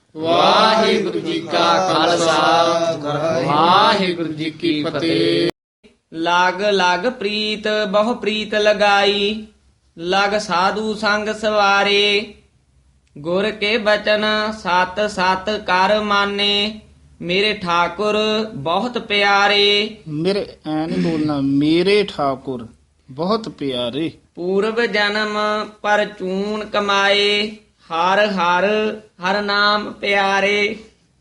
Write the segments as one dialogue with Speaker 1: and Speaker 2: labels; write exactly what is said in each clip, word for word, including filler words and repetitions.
Speaker 1: ਵਾਹਿਗੁਰੂ ਜੀ ਕਾ ਖਾਲਸਾ ਵਾਹਿਗੁਰੂ ਜੀ ਕੀ ਫਤਿਹ।
Speaker 2: ਲਾਗ ਲਾਗ ਪ੍ਰੀਤ ਬਹੁ ਪ੍ਰੀਤ ਲਗਾਈ, ਲਗ ਸਾਧੂ ਸੰਗ ਸਵਾਰੇ। ਗੁਰ ਕੇ ਬਚਨ ਸਤ ਸਤ ਕਰ ਮਾਨੇ, ਮੇਰੇ ਠਾਕੁਰ ਬਹੁਤ ਪਿਆਰੇ।
Speaker 1: ਮੇਰੇ ਐ ਨਹੀਂ ਬੋਲਣਾ, ਮੇਰੇ ਠਾਕੁਰ ਬਹੁਤ ਪਿਆਰੇ।
Speaker 2: ਪੂਰਬ ਜਨਮ ਪਰ ਚੂਨ ਕਮਾਏ, ਹਰ ਹਰ ਹਰ ਨਾਮ ਪਿਆਰੇ।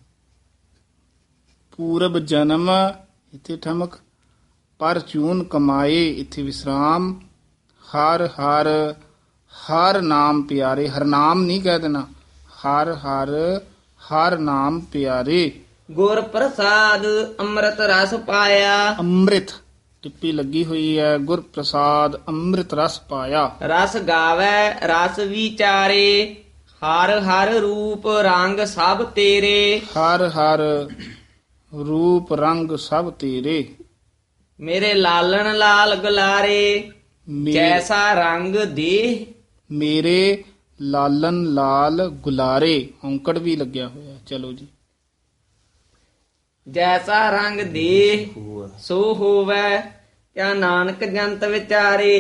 Speaker 1: ਪੂਰਬ ਜਨਮ ਇੱਥੇ ਠਮਕ, ਪਰ ਚੂਨ ਕਮਾਏ ਇੱਥੇ ਵਿਸਰਾਮ। ਹਰ ਹਰ ਹਰ ਨਾਮ ਪਿਆਰੇ, ਹਰ ਨਾਮ ਨਹੀਂ ਕਹਿ ਦੇਣਾ, ਹਰ ਹਰ ਹਰ ਨਾਮ ਪਿਆਰੇ।
Speaker 2: ਗੁਰ ਪ੍ਰਸਾਦ ਅੰਮ੍ਰਿਤ ਰਸ ਪਾਇਆ,
Speaker 1: ਅੰਮ੍ਰਿਤ ਟਿੱਪੀ ਲੱਗੀ ਹੋਈ ਹੈ, ਗੁਰ ਪ੍ਰਸਾਦ ਅੰਮ੍ਰਿਤ ਰਸ ਪਾਇਆ।
Speaker 2: ਰਸ ਗਾਵੈ ਰਸ ਵਿਚਾਰੇ, ਹਰ ਹਰ ਰੂਪ ਰੰਗ ਸਭ ਤੇਰੇ।
Speaker 1: ਹਰ ਹਰ ਰੂਪ ਰੰਗ ਸਭ ਤੇਰੇ।
Speaker 2: ਮੇਰੇ ਲਾਲਣ ਲਾਲ ਗੁਲਾਰੇ,
Speaker 1: ਮੇ-
Speaker 2: ਜੈਸਾ ਰੰਗ ਦੇ।
Speaker 1: ਮੇਰੇ ਲਾਲਨ ਲਾਲ ਗੁਲਾਰੇ, ਔਂਕੜ ਵੀ ਲੱਗਿਆ ਹੋਇਆ। ਚਲੋ ਜੀ।
Speaker 2: ਜੈਸਾ ਰੰਗ ਦੇ ਸੋ ਹੋਵੈ, ਕਿਆ ਨਾਨਕ ਜੰਤ ਵਿਚਾਰੇ।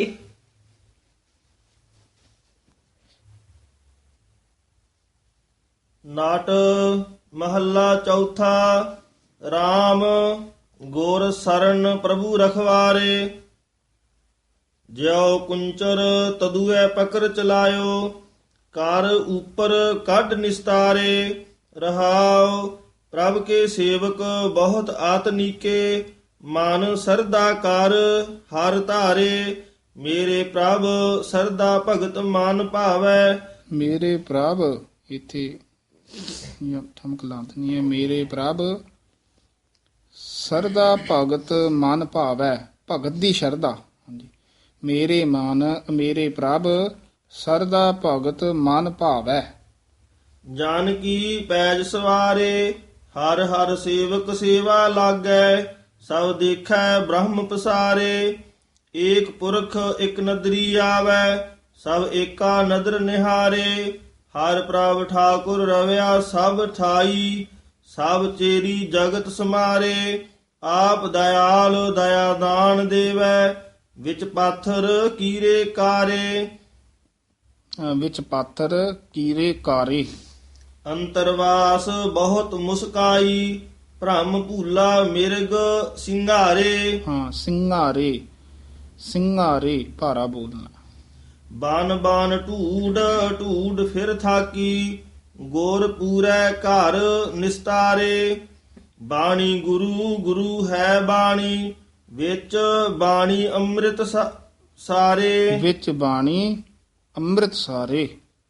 Speaker 3: ਨਾਟ ਮਹੱਲਾ ਚੌਥਾ। RAM ਗੁਰ ਸਰਨ ਪ੍ਰਭੂ ਰਖਵਾਰੇ, ਜਿਉ ਕੁੰਚਰ ਤਦੂਐ ਪਕਰ ਚਲਾਇਓ, ਕਰ ਉਪਰ ਕੱਢ ਨਿਸਤਾਰੇ। ਰਹਾਉ ਪ੍ਰਭ ਕੇ ਸੇਵਕ ਬਹੁਤ ਆਤਨੀਕੇ, ਮਨ ਸਰਦਾ ਕਰ ਹਰ ਧਾਰੇ। ਮੇਰੇ ਪ੍ਰਭ ਸਰਦਾ ਭਗਤ ਮਨ ਭਾਵੈ।
Speaker 1: ਮੇਰੇ ਪ੍ਰਭ ਇੱਥੇ ਇਹ ਠਮਕ ਲਾਂਤਨੀ ਹੈ, ਮੇਰੇ ਪ੍ਰਭ ਸਰਦਾ ਭਗਤ ਮਨ ਭਾਵੈ, ਭਗਤ ਦੀ ਸ਼ਰਧਾ। ਹਾਂਜੀ, ਮੇਰੇ ਮਨ ਮੇਰੇ ਪ੍ਰਭ ਸਰਦਾ ਭਗਤ ਮਨ ਭਾਵੈ।
Speaker 3: ਜਾਨਕੀ ਪੈਜ ਸਵਾਰੇ, ਹਰ ਹਰ ਸੇਵਕ ਸੇਵਾ ਲਾਗੈ। ਸਭ ਦੇਖੈ ਬ੍ਰਹਮ ਪਸਾਰੇ, ਏਕ ਪੁਰਖ ਇਕ ਨਦਰੀ ਆਵੈ। ਸਭ ਏਕਾ ਨਦਰ ਨਿਹਾਰੇ, ਹਰ ਪ੍ਰਭ ਠਾਕੁਰ ਰਵਿਆ ਸਭ ਠਾਈ। ਸਭ ਚੇਰੀ ਜਗਤ ਸਮਾਰੇ, ਆਪ ਦਇਆਲ ਦਇਆ ਦਾਨ ਦੇਵੈ। ਵਿੱਚ ਪਾਥਰ ਕੀਰੇ ਕਾਰੇ,
Speaker 1: ਅਹ ਵਿੱਚ ਪਾਥਰ ਕੀਰੇ ਕਾਰੇ।
Speaker 3: ਅੰਤਰਵਾਸ ਬਹੁਤ ਮੁਸਕਾਈ, ਭ੍ਰਮ ਭੂਲਾ ਮਿਰਗ ਸਿੰਗਾਰੇ।
Speaker 1: ਹਾਂ, ਸਿੰਘਾਰੇ ਸਿੰਘਾਰੇ ਭਾਰਾ ਬੋਲਣਾ।
Speaker 3: ਬਨ ਬਨ ਢੂਡ ਢੂਡ ਫਿਰ ਥਾਕੀ, ਗੁਰ ਪੂਰੈ ਘਰ ਨਿਸਤਾਰੇ। ਬਾਣੀ ਗੁਰੂ ਗੁਰੂ ਹੈ ਬਾਣੀ, ਵਿੱਚ ਬਾਣੀ ਅੰਮ੍ਰਿਤ ਸਾ- ਸਾਰੇ।
Speaker 1: ਵਿੱਚ ਬਾਣੀ ਅੰਮ੍ਰਿਤ ਸਾਰੇ।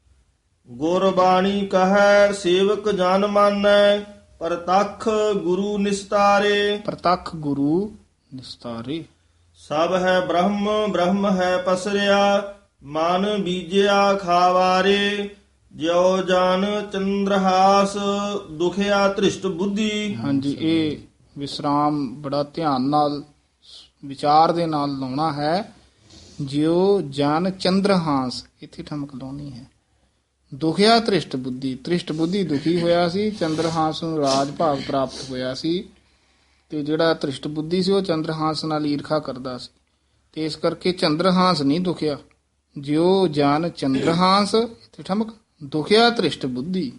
Speaker 3: ਗੁਰ ਬਾਣੀ ਕਹੈ ਸੇਵਕ ਜਨ ਮਾਨੈ, ਪ੍ਰਤੱਖ ਗੁਰੂ ਨਿਸਤਾਰੇ।
Speaker 1: ਪ੍ਰਤੱਖ ਗੁਰੂ ਨਿਸਤਾਰੇ।
Speaker 3: ਸਭ ਹੈ ਬ੍ਰਹਮ ਬ੍ਰਹਮ ਹੈ ਪਸਰਿਆ, ਮਨ ਬੀਜਿਆ ਖਾਵਾਰੇ। ਜਿਉ ਜਨ ਚੰਦਰਹਾਸ ਦੁਖਿਆ ਧ੍ਰਿਸ਼ਟ ਬੁੱਧੀ।
Speaker 1: ਹਾਂਜੀ, ਇਹ ਵਿਸਰਾਮ ਬੜਾ ਧਿਆਨ ਨਾਲ ਵਿਚਾਰ ਦੇ ਨਾਲ ਲਾਉਣਾ ਹੈ। ਜਿਉ ਜਨ ਚੰਦਰਹਾਸ ਇੱਥੇ ਠਮਕ ਲਾਉਣੀ ਹੈ। ਦੁਖਿਆ ਧ੍ਰਿਸ਼ਟ ਬੁੱਧੀ, ਧ੍ਰਿਸ਼ਟ ਬੁੱਧੀ ਦੁਖੀ ਹੋਇਆ ਸੀ, ਚੰਦਰਹਾਸ ਨੂੰ ਰਾਜ ਭਾਗ ਪ੍ਰਾਪਤ ਹੋਇਆ ਸੀ, ਤੇ ਜਿਹੜਾ ਧ੍ਰਿਸ਼ਟ ਬੁੱਧੀ ਸੀ ਉਹ ਚੰਦਰਹਾਸ ਨਾਲ ਈਰਖਾ ਕਰਦਾ ਸੀ, ਤੇ ਇਸ ਕਰਕੇ ਚੰਦਰਹਾਸ ਨਹੀਂ ਦੁਖਿਆ। ਜਿਉ ਜਨ ਚੰਦਰਹਾਸ ਇੱਥੇ ਠਮਕ, ਦੁਖਿਆ ਧ੍ਰਿਸ਼ਟ ਬੁੱਧੀ।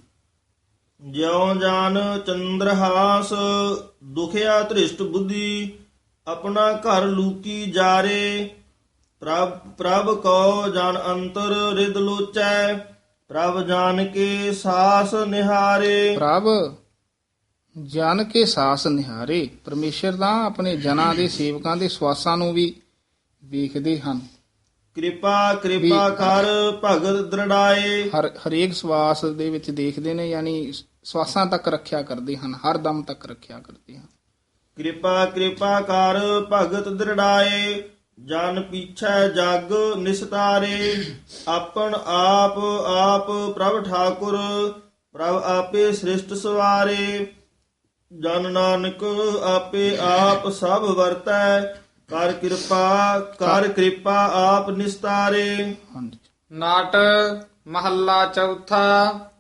Speaker 3: ਜਿਉ ਜਨ ਚੰਦਰਹਾਸ ਦੁਖਿਆ ਧ੍ਰਿਸ਼ਟ ਬੁੱਧੀ, ਆਪਣਾ ਘਰ ਲੂਕੀ ਜਾਰੇ। ਪ੍ਰਭ ਪ੍ਰਭ ਕੋ ਜਨ ਅੰਤਰ ਰਿਦ ਲੋਚੈ, ਪ੍ਰਭ ਜਾਨ ਕੇ ਸਾਸ ਨਿਹਾਰੇ।
Speaker 1: ਪ੍ਰਭ ਜਨ ਕੇ ਸਾਸ ਨਿਹਾਰੇ, ਪਰਮੇਸ਼ਰ ਦਾ ਆਪਣੇ ਜਨਾਂ ਦੇ ਸੇਵਕਾਂ ਦੇ ਸਵਾਸਾਂ ਨੂੰ ਵੀ ਵੇਖਦੇ ਹਨ।
Speaker 3: ਕਿਰਪਾ ਕਿਰਪਾ ਕਰ ਭਗਤ ਦ੍ਰਿੜਾਏ।
Speaker 1: ਹਰ ਹਰੇਕ ਸਵਾਸ ਦੇ ਵਿੱਚ ਦੇਖਦੇ ਨੇ, ਯਾਨੀ ਸਵਾਸਾਂ ਤੱਕ ਰੱਖਿਆ ਕਰਦੇ ਹਨ, ਹਰ ਦਮ ਤੱਕ ਰੱਖਿਆ ਕਰਦੇ ਹਨ।
Speaker 3: ਕਿਰਪਾ ਕਿਰਪਾ ਕਰ ਭਗਤ ਦ੍ਰਿੜਾਏ, ਜਨ ਪੀਛੈ ਜਗ ਨਿਸਤਾਰੇ। ਆਪਨ ਆਪ ਆਪ ਪ੍ਰਭ ਠਾਕੁਰ, ਪ੍ਰਭ ਆਪੇ ਸ੍ਰਿਸ਼ਟ ਸਵਾਰੇ। ਜਨ ਨਾਨਕ ਆਪੇ ਆਪ ਸਭ ਵਰਤੈ, ਕਰ ਕਿਰਪਾ ਕਰ ਕਿਰਪਾ ਆਪ ਨਿਸਤਾਰੇ।
Speaker 1: ਹਾਂਜੀ।
Speaker 4: ਨਾਟ ਮਹੱਲਾ ਚੌਥਾ।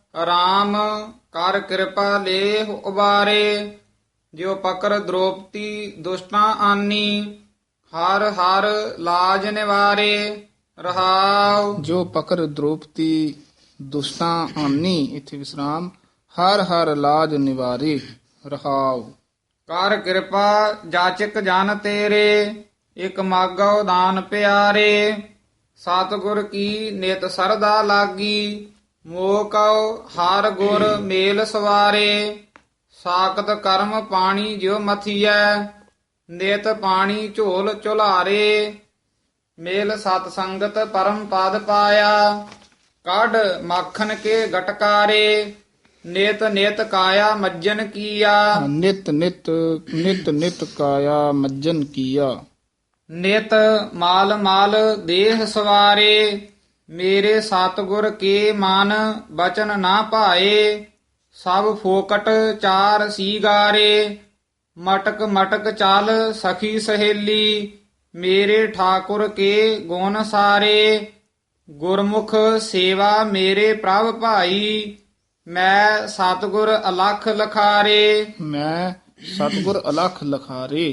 Speaker 4: ਰਾਮ ਕਰ ਕਿਰਪਾ ਲੇਹ ਉਬਾਰੇ। ਜਿਉ ਪਕਰ ਦ੍ਰੋਪਤੀ ਦੁਸ਼ਟਾਂ ਆਨੀ, ਹਰ ਹਰ ਲਾਜ ਨਿਵਾਰੇ। ਰਹਾਉ
Speaker 1: ਜੋ ਪਕਰ ਦ੍ਰੋਪਤੀ ਦੁਸ਼ਟਾਂ ਆਨੀ, ਇਥੇ ਵਿਸਰਾਮ, ਹਰ ਹਰ ਲਾਜ ਨਿਵਾਰੇ। ਰਹਾਉ
Speaker 4: ਕਰ ਕਿਰਪਾ ਜਾਚਕ ਜਨ ਤੇਰੇ, ਇਕ ਮਾਗੋ ਦਾਨ ਪਿਆਰੇ। ਸਤਿਗੁਰ ਕੀ ਨਿਤ ਸਰਦਾ ਲਾਗੀ, ਮੋਹ ਕਉ ਹਰ ਗੁਰ ਮੇਲ ਸਵਾਰੇ। ਸਾਖਤ ਕਰਮ ਪਾਣੀ ਜਿਉ ਮਥੀਐ, ਨਿਤ ਪਾਣੀ ਝੋਲ ਝੁਲਾਰੇ। ਮੇਲ ਸਤ ਸੰਗਤ ਪਰਮ ਪਦ ਪਾਇਆ, ਕੱਢ ਮਾਖਨ ਕੇ ਗਟਕਾਰੇ। ਨਿਤ ਨਿਤ ਕਾਇਆ ਮੱਜਨ ਕੀਆ,
Speaker 1: ਨਿਤ ਨਿਤ ਨਿਤ ਨਿਤ ਕਾਇਆ ਮੱਜਨ ਕੀਆ।
Speaker 4: ਨਿਤ ਮਾਲ ਮਾਲ ਦੇਹ ਸਵਾਰੇ। ਮੇਰੇ ਸਤਿਗੁਰ ਕੇ ਮਨ ਬਚਨ ਨਾ ਭਾਏ, ਸਭ ਫੋਕਟ ਚਾਰ ਸੀਗਾਰੇ। ਮਟਕ ਮਟਕ ਚੱਲ ਸਖੀ ਸਹੇਲੀ, ਮੇਰੇ ਠਾਕੁਰ ਕੇ ਗੁਣ ਸਾਰੇ। ਗੁਰਮੁਖ ਸੇਵਾ ਮੇਰੇ ਪ੍ਰਭ ਭਾਈ, ਮੈਂ ਸਤਿਗੁਰ ਅਲਖ ਲਖਾਰੇ।
Speaker 1: ਮੈਂ ਸਤਿਗੁਰ ਅਲਖ ਲਖਾਰੇ।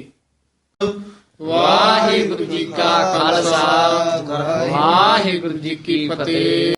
Speaker 2: ਵਾਹਿਗੁਰੂ ਜੀ ਕਾ ਖਾਲਸਾ ਵਾਹਿਗੁਰੂ ਜੀ ਕੀ ਫਤਿਹ।